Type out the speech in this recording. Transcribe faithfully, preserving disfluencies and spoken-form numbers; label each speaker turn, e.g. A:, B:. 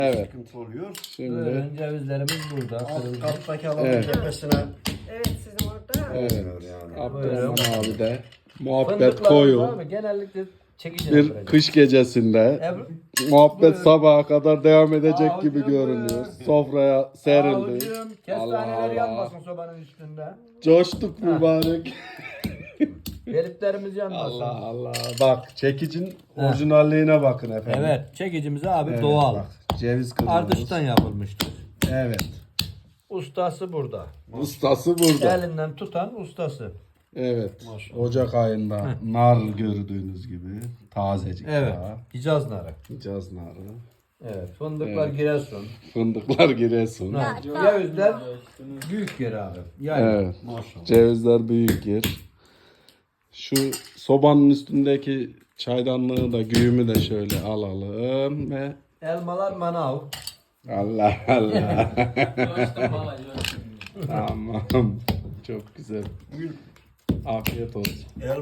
A: Evet.
B: sıkıntı oluyor.
A: Şimdi
C: Böyle cevizlerimiz burada.
B: Alt
C: Kırıldı.
B: kattaki alanın
A: Evet.
B: cephesine
D: Evet sizin orada.
A: evet.
B: olmuyor yani.
A: Abdurrahman abi de muhabbet
C: Fındıklarımız
A: koyu.
C: abi genellikle çekiciden
A: Bir
C: verecek.
A: kış gecesinde
C: Ebru-
A: muhabbet
C: Buyur.
A: sabaha kadar devam edecek
C: Aa,
A: gibi
C: hocam,
A: görünüyor.
C: buyur.
A: Sofraya serildi.
C: Avucum,
A: Allah
C: kestaneler
A: Allah.
C: yanmasın sobanın üstünde.
A: Coştuk mübarek.
C: Deliklerimiz yanmasın.
A: Allah Allah. Bak çekicin orijinalliğine bakın efendim.
C: Evet, çekicimiz abi
A: Evet,
C: doğal.
A: bak, ceviz kırmızı.
C: Ardıştan yapılmıştır.
A: Evet.
C: Ustası burada.
A: Ustası burada.
C: Elinden tutan ustası.
A: Evet.
B: Maşallah.
A: Ocak ayında nar gördüğünüz gibi tazecik
C: Evet.
A: daha.
C: Hicaz narı.
A: Hicaz narı.
C: Evet. Fındıklar Giresun.
A: Fındıklar Giresun.
C: Nar. Cevizler büyük yer abi. Yani
A: Evet.
B: Maşallah.
A: Cevizler büyük yer. Şu sobanın üstündeki çaydanlığı da güğümü de şöyle alalım ve
C: elmalar manav.
A: Allah Allah. Tamam. Çok güzel. Afiyet olsun.